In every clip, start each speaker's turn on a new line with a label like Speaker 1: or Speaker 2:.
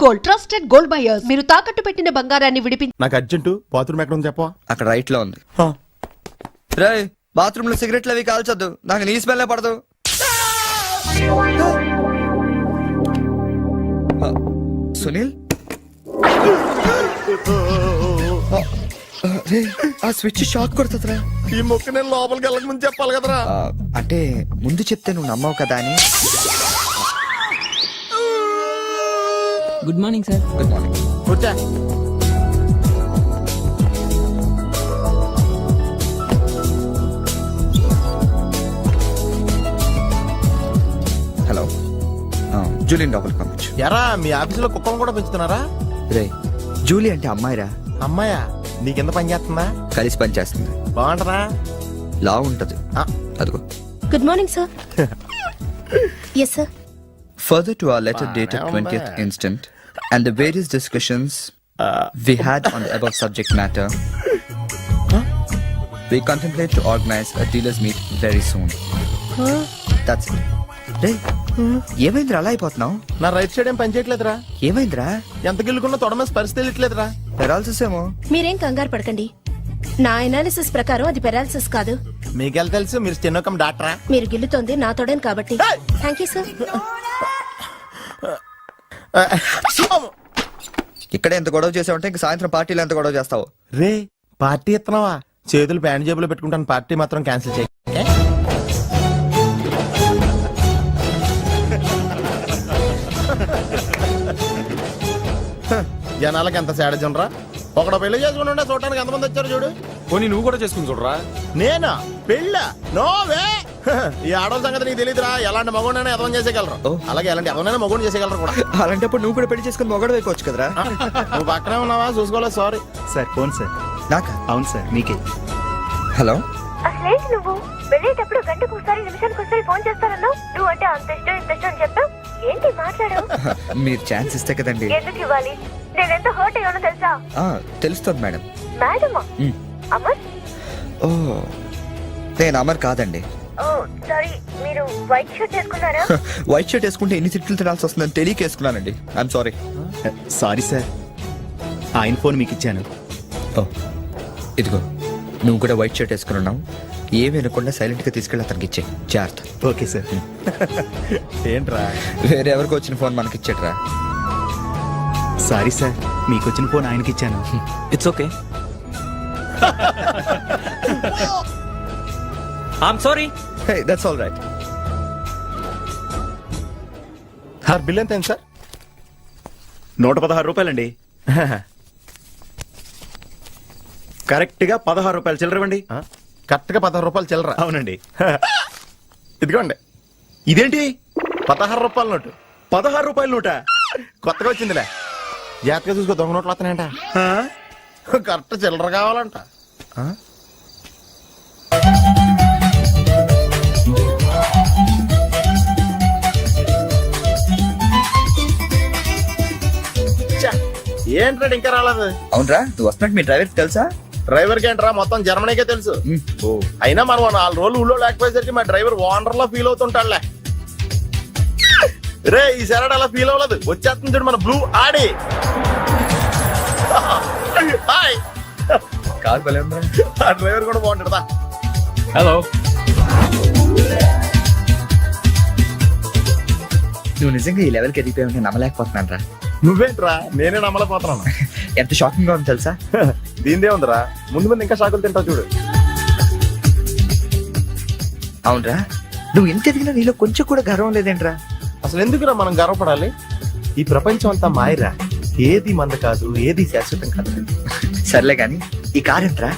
Speaker 1: Gold, trusted gold buyers. మీరు తాకట్టు పెట్టిన బంగారాన్ని విడిపించి.
Speaker 2: నాకు అర్జెంటు బాత్రూమ్ ఎక్కడ ఉంది చెప్పవా?
Speaker 3: అక్కడ రైట్ లో ఉంది. రే బాత్రూమ్ లో సిగరెట్లు అవి కాల్చొద్దు, నాకు నీ స్మెల్ పడదు. సునీల్ ఆ స్విచ్ షాక్ కొడుతుందిరా.
Speaker 2: ఈ మొక్క నేను లోపలికి వెళ్ళక ముందు చెప్పాలి కదరా.
Speaker 3: అంటే ముందు చెప్తే నువ్వు నమ్మవు కదా అని.
Speaker 4: Good morning sir.
Speaker 3: Good morning.
Speaker 2: కూర్చో.
Speaker 3: హలో, జూలియన్ లోపలికి పంపించు.
Speaker 2: ఎరా మీ ఆఫీసులో కుక్కను కూడా పెంచుతున్నారా?
Speaker 3: రే జూలీ అంటే అమ్మాయిరా.
Speaker 2: అమ్మాయా? నీకెంత పని చేస్తుందా?
Speaker 3: కలిసి పని చేస్తుంది.
Speaker 2: బాగుంటదా?
Speaker 3: లా ఉంటది. అదిగో.
Speaker 5: Good morning sir. Yes sir.
Speaker 3: Further to our letter dated 20th instant and the various discussions we had on the above subject matter, we contemplate to organize a dealers meet very soon. That's it. రే ఏమైందిరా అలా అయిపోతున్నావు?
Speaker 2: నా right side ఏం పని చేయట్లేదురా.
Speaker 3: ఏమైందిరా?
Speaker 2: ఎంత గిల్లుకున్నా తొడమేసి పరిస్థితి వెళ్ళట్లేదురా.
Speaker 3: Paralysis ఏమో.
Speaker 5: మీరేం కంగారు పడకండి. నా ఎనాలిసిస్ ప్రకారం అది పెరాలిసిస్ కాదు.
Speaker 2: మీకెళ్ళ తెలుసు, మీరు స్టెనోకం డాక్టరా?
Speaker 5: మీరు గిల్లుతోంది నా తోడని కాబట్టి. Thank you sir.
Speaker 3: ఇక్కడ ఎంత గొడవ చేసావంటే ఇంక సాయంత్రం పార్టీలో ఎంత గొడవ చేస్తావు?
Speaker 2: రే పార్టీ ఇస్తున్నావా? చేతులు ప్యాంట్ జేబులో పెట్టుకుంటాను, పార్టీ మాత్రం క్యాన్సిల్ చేయి. జనాలకి ఎంత సాడజం రా. ఒకడు పెళ్లి చేసుకుని ఉండే చూడటానికి ఎంతమంది వచ్చారు చూడు.
Speaker 6: పోనీ నువ్వు కూడా చేసుకుని చూడరా.
Speaker 2: నేనా పెళ్ళ? నోవే. ఈ ఆడవాళ్ళ సంగతి నీకు తెలియదురా. ఎలాంటి మగోడైనా ఎదవం చేసేయగలరు, అలాగే ఎలాంటి ఎవరైనా మగోడు చేసేయగలరు కూడా.
Speaker 3: అలాంటప్పుడు నువ్వు కూడా పెళ్లి చేసుకుని మొగడు వేయకోవచ్చు కదరా.
Speaker 2: నువ్వు పక్కనే ఉన్నావా? చూసుకోలేదు. Sorry
Speaker 7: sir. Phone sir.
Speaker 3: నాకా?
Speaker 7: అవును సార్, మీకే.
Speaker 3: హలో.
Speaker 8: అసలేంటి నువ్వు వెళ్ళేటప్పుడు గంటకు ఒకసారి నిమిషానికి ఒకసారి ఫోన్ చేస్తానన్నావు. నువ్వు అంటే అంత ఇష్టం ఇంత ఇష్టం అని చెప్పావు. ఏంటి మాట్లాడావు?
Speaker 3: మీరు ఛాన్స్ ఇస్తే కదండి.
Speaker 8: ఎందుకు ఇవ్వాలి? నేనెంత హర్ట్ అయ్యానో తెలుసా?
Speaker 3: తెలుస్తుంది మేడం.
Speaker 8: మేడమా? అమర్?
Speaker 3: ఓ నేను అమర్ కాదండి.
Speaker 8: ఓ సారీ, మీరు వైట్ షర్ట్ వేసుకున్నారా?
Speaker 3: వైట్ షర్ట్ వేసుకుంటే ఎన్ని తిట్లు తినాల్సి వస్తుందని తెలియక వేసుకున్నానండి. I'm sorry.
Speaker 7: సారీ సార్, ఆయన ఫోన్ మీకు ఇచ్చాను.
Speaker 3: ఓ ఇదిగో, నువ్వు కూడా వైట్ షర్ట్ వేసుకుని ఉన్నావు. ఏమి అనకుండా సైలెంట్ గా తీసుకెళ్ళి అతనికి ఇచ్చే జాగ్రత్త.
Speaker 7: Okay sir.
Speaker 2: ఏంట్రా?
Speaker 3: వేరే ఎవరికి వచ్చిన ఫోన్ మనకి ఇచ్చేట్రా.
Speaker 7: సారీ సార్, మీకు వచ్చిన ఫోన్ ఆయనకి ఇచ్చాను.
Speaker 4: It's okay. I'm sorry.
Speaker 3: Hey that's all right.
Speaker 2: Sir bill ఎంత అయింది సార్?
Speaker 7: 116 రూపాయలండి. కరెక్ట్ గా 16 రూపాయలు చిల్లరవండి.
Speaker 2: కరెక్ట్ గా 16 రూపాయలు చిల్లరా?
Speaker 7: అవునండి.
Speaker 2: ఇదిగోండి.
Speaker 7: ఇదేంటి?
Speaker 2: 16 రూపాయల నోటు.
Speaker 7: 16 రూపాయల నోట?
Speaker 2: కొత్తగా వచ్చిందిలే. జాగ్రత్తగా చూసుకో, దొంగ నోట్లు వస్తున్నాయంట. కరెక్ట్ చిల్లర కావాలంట. ఏంట్రా ఇంకా రాలేదు?
Speaker 3: అవునరా, నువ్వు వస్తున్నట్టు మీ డ్రైవర్ తెలుసా?
Speaker 2: డ్రైవర్ కి ఏంట్రా, మొత్తం జర్మనీకే తెలుసు. అయినా మనం 4 రోజులు ఊళ్ళో లేకపోయేసరికి మా డ్రైవర్ ఓనర్ లా ఫీల్ అవుతుంటాడులే. రే ఈ సరడ్ అలా ఫీల్ అవ్వలేదు. వచ్చేస్తుంది చూడు మన బ్లూ ఆడి. హాయ్.
Speaker 3: కాదు భలే ఉందా?
Speaker 2: ఆ డ్రైవర్ కూడా బాగుంటాడా?
Speaker 6: హలో.
Speaker 3: నువ్వు నిజంగా ఈ లెవెల్కి ఎదిగిపోయి నమ్మలేకపోతున్నాను రా.
Speaker 2: నువ్వేంట్రా, నేనే నమ్మలేకపోతున్నాను.
Speaker 3: ఎంత షాకింగ్ గా ఉంది తెలుసా?
Speaker 2: దీనిదే ఉందిరా, ముందు ముందు ఇంకా షాకులు తింటావు చూడు.
Speaker 3: అవునరా, నువ్వు ఎంత ఎదిగినా నీలో కొంచెం కూడా గర్వం లేదేంట్రా?
Speaker 2: అసలు ఎందుకురా మనం గర్వపడాలి? ఈ ప్రపంచం అంతా మాయరా. ఏది మంద కాదు, ఏది శాశ్వతం కాదు.
Speaker 3: సర్లే గాని ఈ కార్ ఏంట్రా?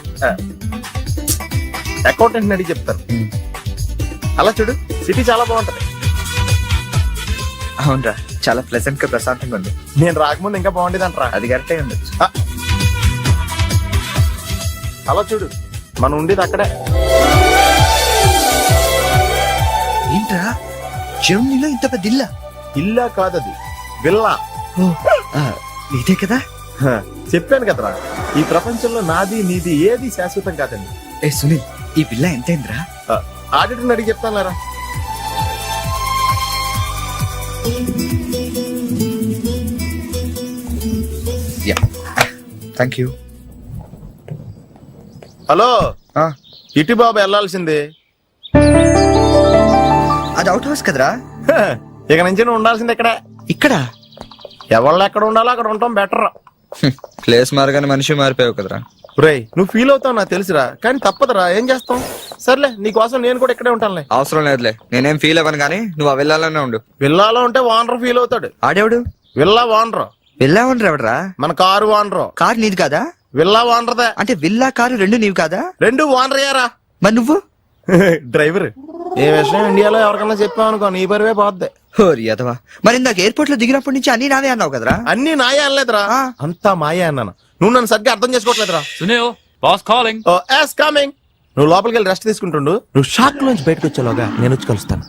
Speaker 2: అకౌంటెంట్ అడిగి చెప్తారు. అలా చూడు, సిటీ చాలా బాగుంటది.
Speaker 3: అవునరా, చాలా ప్లెజెంట్ గా ప్రశాంతంగా ఉంది.
Speaker 2: నేను రాకముందు ఇంకా బాగుండేది అంటరా.
Speaker 3: అది కరెక్టే ఉండొచ్చు.
Speaker 2: అలా చూడు, మనం ఉండేది అక్కడే.
Speaker 3: ఏంట్రా, జర్మనీలో ఇంత పెద్ద ఇల్లా?
Speaker 2: ఇల్లా కాదది, విల్లా.
Speaker 3: ఇదే కదా?
Speaker 2: చెప్పాను కదరా, ఈ ప్రపంచంలో నాది నీది ఏది శాశ్వతం కాదండి.
Speaker 3: ఏ సునీల్, ఈ విల్లా ఎంతైందిరా?
Speaker 2: ఆడిటర్ అడిగి చెప్తాను లేరా.
Speaker 3: Thank you.
Speaker 2: హలో ఇటు బాబు వెళ్ళాల్సింది.
Speaker 3: అది అవుట్ హౌస్ కదరా.
Speaker 2: హ, ఇక నుంచి నువ్వు ఉండాల్సింది ఇక్కడ.
Speaker 3: ఇక్కడ
Speaker 2: ఎవళ్ళు ఎక్కడ ఉండాలో అక్కడ ఉండటం బెటర్.
Speaker 3: ప్లేస్ మారగానే మనిషి మారిపోయావు కదరా.
Speaker 2: రేయ్ నువ్వు ఫీల్ అవుతావు నాకు తెలుసురా, కానీ తప్పదురా, ఏం చేస్తాం. సర్లే నీకోసం నేను కూడా ఇక్కడే ఉంటానులే.
Speaker 3: అవసరం లేదులే, నేనేం ఫీల్ అవ్వను కానీ నువ్వు ఆ వెళ్ళాలనే ఉండు.
Speaker 2: విల్లాలో ఉంటే ఓనర్ ఫీల్ అవుతాడు.
Speaker 3: ఆడేవుడు
Speaker 2: విల్లా ఓనర్
Speaker 3: వెళ్ళావని ఎవడరా?
Speaker 2: మన కారు ఓనరు.
Speaker 3: కారు నీది కాదా?
Speaker 2: విల్లా ఓనర్దే.
Speaker 3: అంటే విల్లా కారు రెండు నీవి కాదా?
Speaker 2: రెండు ఓనర్ అయ్యారా.
Speaker 3: మరి నువ్వు
Speaker 2: డ్రైవర్. ఏ విషయం ఇండియాలో ఎవరికన్నా చెప్పావనుకో నీ పరివే పోద్ది.
Speaker 3: హోరి అదవా. మరి ఇందాక ఎయిర్పోర్ట్ లో దిగినప్పటి నుంచి అన్ని నావే అన్నావు కదరా.
Speaker 2: అన్ని నాయే అనలేదురా,
Speaker 3: ఆ.
Speaker 2: అంతా మాయే అన్నాను. నువ్వు నన్ను సరిగ్గా అర్థం చేసుకోవట్లేదురా.
Speaker 6: Sunil boss calling.
Speaker 2: Oh yes coming. నువ్వు లోపలికి వెళ్ళి రెస్ట్ తీసుకుంటుండు. నువ్వు షాక్ నుంచి బయటకు వచ్చేలోగా నేను వచ్చి కలుస్తాను.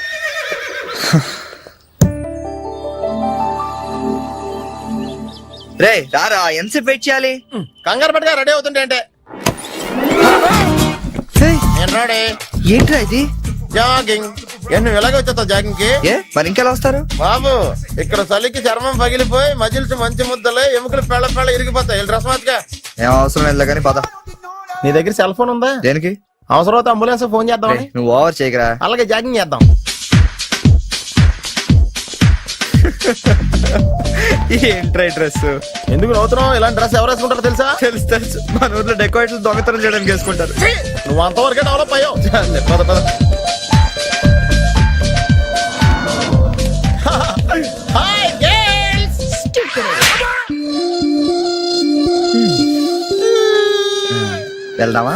Speaker 3: రే రారా, ఎంతసేపు వెయిట్ చేయాలి?
Speaker 2: కంగారు పట్టుగా రెడీ అవుతుంటే అంటే
Speaker 3: ఏయ్,
Speaker 2: నేను రెడీ.
Speaker 3: ఏంట్రా ఇది?
Speaker 2: జాగింగ్. నువ్వు ఎలాగ వచ్చేస్తావు జాగింగ్ కి?
Speaker 3: ఏ మరి ఇంకెలా వస్తారు?
Speaker 2: బాబు ఇక్కడ చలికి చర్మం పగిలిపోయి మజిల్స్ మంచి ముద్దలే ఎముకలు పెళ్ళ పెళ్ళ ఇరిగిపోతాయి. డ్రెస్ మార్చుగా.
Speaker 3: ఏం అవసరం లేదు కానీ పద.
Speaker 2: నీ దగ్గర సెల్ ఫోన్ ఉందా?
Speaker 3: దేనికి?
Speaker 2: అవసరం అయితే అంబులెన్స్ ఫోన్ చేద్దాం.
Speaker 3: రేయ్, నువ్వు ఓవర్ చేయకరా.
Speaker 2: అలాగే జాగింగ్ చేద్దాం.
Speaker 3: ఏంట్రా డ్రెస్?
Speaker 2: ఎందుకు నవ్వుతున్నావు? ఇలాంటి డ్రెస్ ఎవరు వేసుకుంటారో తెలుసా?
Speaker 3: తెలుసు తెలుసు, మన ఊర్లో డెకోరేట్లు దొంగతనం చేయడానికి వేసుకుంటారు.
Speaker 2: నువ్వు అంతవరకే డెవలప్ అయ్యావు. పద పద. Hi girls.
Speaker 3: వెళ్దామా?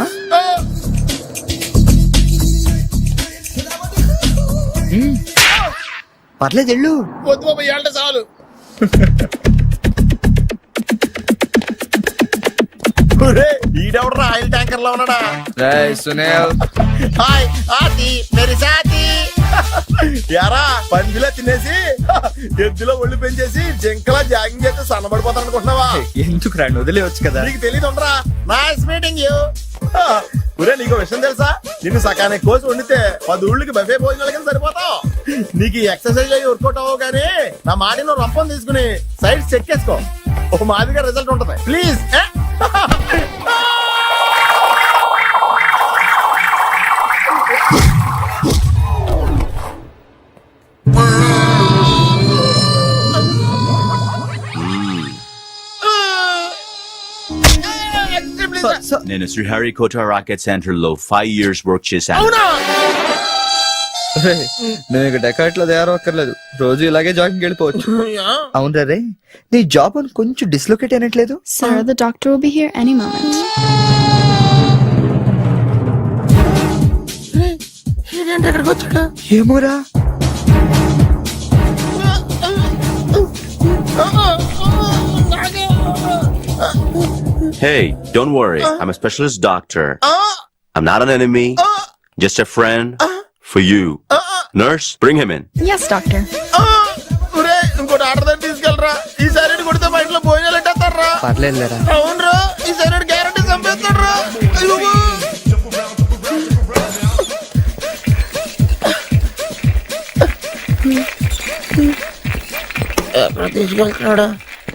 Speaker 3: పర్లేదు వెళ్ళు.
Speaker 2: వద్దు బాబు ఏళ్ళ చాలు. ఈడెవడరా ఆయిల్ ట్యాంకర్ లో ఉన్నాడా?
Speaker 3: రేయ్ సునీల్.
Speaker 2: హాయ్ ఆతి మేరీ సాతి. యారా పందిలా తినేసి ఎద్దులో ఒళ్ళు పెంచేసి జింకలా జాగింగ్ చేస్తే సన్నబడిపోతాను అనుకుంటున్నావా?
Speaker 3: ఎందుకు రాండి, వదిలేవచ్చు కదా.
Speaker 2: నీకు తెలియదు ఉండరా. Nice meeting you. ఒరే నీకు విషయం తెలుసా? నిన్ను సకానికి కోసి వండితే 10 ఊళ్ళకి బఫే భోజనాల కింద సరిపోతావు. నీకు ఈ ఎక్సర్సైజ్ అయ్యి వర్కౌట్ అవ్వవు కానీ నా మాటి నువ్వు రంపం తీసుకుని సైడ్ చెక్ చేసుకో. ఓ మాదిగా రిజల్ట్ ఉంటది. ప్లీజ్.
Speaker 9: నేను శ్రీహరికోట రాకెట్ సెంటర్ లో 5 years వర్క్ చేశాను.
Speaker 2: అవునా?
Speaker 3: రేయ్, నువ్వు ఇక డెకాట్ లో తయారవక్కర్లేదు, రోజు ఇలాగే జాగింగ్ వెళ్ళిపోవచ్చు. అవునరా రే, నీ జాబ్ అని కొంచెం డిస్లొకేట్ అయినట్లేదు?
Speaker 10: Sir, the doctor will be here any moment.
Speaker 3: ఏమోరా.
Speaker 9: Hey, don't worry. I'm a specialist doctor. I'm not an enemy. Just a friend for you. Nurse, bring him in.
Speaker 10: Yes, doctor.
Speaker 2: ఇంకోటి order దగ్గర తీసుకెళ్ళరా. ఈ side కొడితే మా ఇంట్లో భోజనాలు ఎట్టేస్తారా?
Speaker 3: పర్లేదు లేరా.
Speaker 2: అవునరా, ఈ సైడ్ గ్యారంటీ చంపేస్తాడరా. ఎక్కడ తీసుకెళ్తున్నాడా?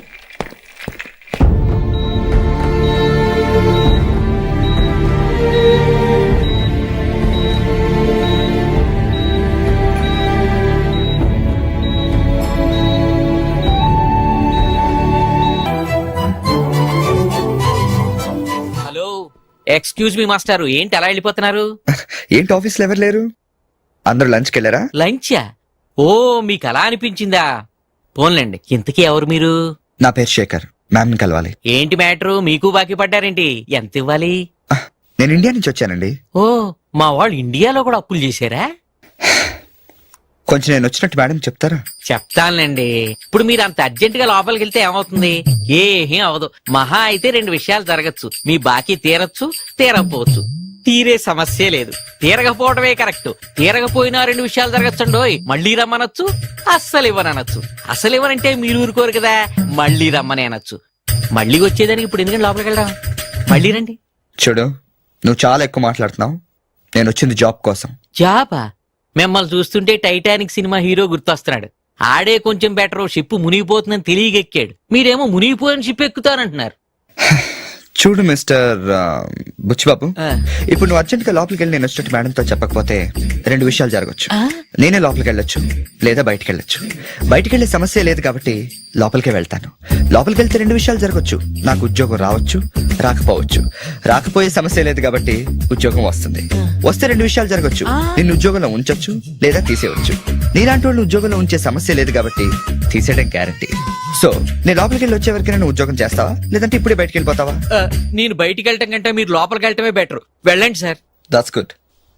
Speaker 4: హలో, ఎక్స్క్యూజ్ మీ మాస్టారు, ఏంటి అలా వెళ్ళిపోతున్నారు?
Speaker 3: ఏంటి ఆఫీస్ లో ఎవరు లేరు? అందరూ లంచ్కి వెళ్ళారా?
Speaker 4: లంచా? ఓ మీకు అలా అనిపించిందా? పోన్లేండి, ఇంతకీ ఎవరు మీరు?
Speaker 3: నా పేరు శేఖర్, మ్యామ్ ని కలవాలి.
Speaker 4: ఏంటి మ్యాటరు, మీకు బాకీ పడ్డారేంటి? ఎంత ఇవ్వాలి?
Speaker 3: నేను ఇండియా నుంచి వచ్చానండి.
Speaker 4: ఓ, మా వాళ్ళు ఇండియాలో కూడా అప్పులు చేశారా?
Speaker 3: కొంచెం నేను వచ్చినట్టు మేడం చెప్తారా?
Speaker 4: చెప్తానులేండి. ఇప్పుడు మీరు అంత అర్జెంట్ గా లోపలికి వెళ్తే ఏమవుతుంది? ఏం అవదు. మహా అయితే 2 విషయాలు జరగచ్చు. మీ బాకీ తీరచ్చు, తీరకపోవచ్చు. తీరే సమస్య లేదు, తీరకపోవడమే కరెక్ట్. తీరకపోయినా 2 విషయాలు జరగచ్చండోయ్. మళ్ళీ రమ్మనొచ్చు, అస్సలు ఇవ్వనొచ్చు. అసలు ఇవ్వనంటే మీరు ఊరుకోరు కదా, మళ్ళీ రమ్మని అనొచ్చు. మళ్ళీ వచ్చేదానికి ఇప్పుడు ఎందుకంటే లోపలికి వెళ్ళడం? మళ్ళీ రండి.
Speaker 3: చూడు, నువ్వు చాలా ఎక్కువ మాట్లాడుతున్నావు. నేను వచ్చింది జాబ్ కోసం.
Speaker 4: జాబా? మిమ్మల్ని చూస్తుంటే టైటానిక్ సినిమా హీరో గుర్తొస్తున్నాడు. ఆడే కొంచెం బెటర్, షిప్ మునిగిపోతుందని తెలియగెక్కాడు. మీరేమో మునిగిపోయిన షిప్ ఎక్కుతానంటున్నారు.
Speaker 3: చూడు మిస్టర్ బుచ్చిబాబు,
Speaker 4: ఆ.
Speaker 3: ఇప్పుడు నువ్వు అర్జెంట్ గా లోపలికి వెళ్ళి నేను వచ్చినట్టు మేడంతో చెప్పకపోతే రెండు విషయాలు జరగచ్చు. నేనే లోపలికి వెళ్ళొచ్చు, లేదా బయటికి వెళ్ళొచ్చు. బయటికి వెళ్ళే సమస్య లేదు కాబట్టి లోపలికే వెళ్తాను. లోపలికి వెళ్తే రెండు విషయాలు జరగచ్చు. నాకు ఉద్యోగం రావచ్చు, రాకపోవచ్చు. రాకపోయే సమస్య లేదు కాబట్టి ఉద్యోగం వస్తుంది. వస్తే రెండు విషయాలు జరగచ్చు. నిన్ను ఉద్యోగంలో ఉంచొచ్చు, లేదా తీసేయవచ్చు. నీలాంటి వాళ్ళు ఉద్యోగంలో ఉంచే సమస్య లేదు కాబట్టి తీసేయడం గ్యారంటీ. సో నేను లోపలికి వెళ్ళి వచ్చే వరకు నువ్వు ఉద్యోగం చేస్తావా, లేదంటే ఇప్పుడే బయటికి వెళ్ళిపోతావా?
Speaker 4: నేను బయటికి వెళ్ళటం కంటే మీరు లోపలికి వెళ్ళటమే బెటర్. వెళ్ళండి sir.
Speaker 3: That's good.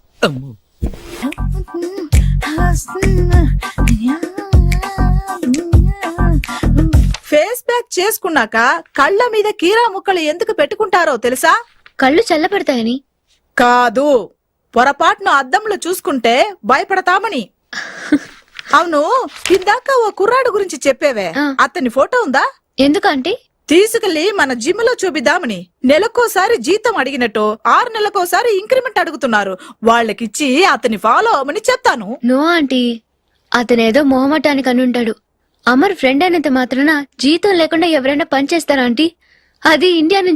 Speaker 11: Face pack చేసుకున్నాక కళ్ళ మీద కీరా ముక్కలు ఎందుకు పెట్టుకుంటారో తెలుసా?
Speaker 10: కళ్ళు చల్లబడతాయని.
Speaker 11: కాదు, పొరపాటును అద్దంలో చూసుకుంటే భయపడతామని. అవును, ఇందాక ఓ కుర్రాడు గురించి చెప్పేవే, అతని ఫోటో ఉందా?
Speaker 10: ఎందుకంటే
Speaker 11: తీసుకెళ్లి మన జిమ్ లో చూపిద్దామని. నెలకోసారి జీతం అడిగినట్టు 6 నెలకోసారి ఇంక్రిమెంట్ అడుగుతున్నారు. వాళ్ళకిచ్చి అతని ఫాలో అవ్వమని చెప్తాను.
Speaker 10: నో ఆంటీ, అతనేదో మొహమాటానికి అనుంటాడు. అమర్ ఫ్రెండ్ అయినంత మాత్రాన జీతం లేకుండా ఎవరైనా పని చేస్తారా ఆంటీ? అది ఇండియా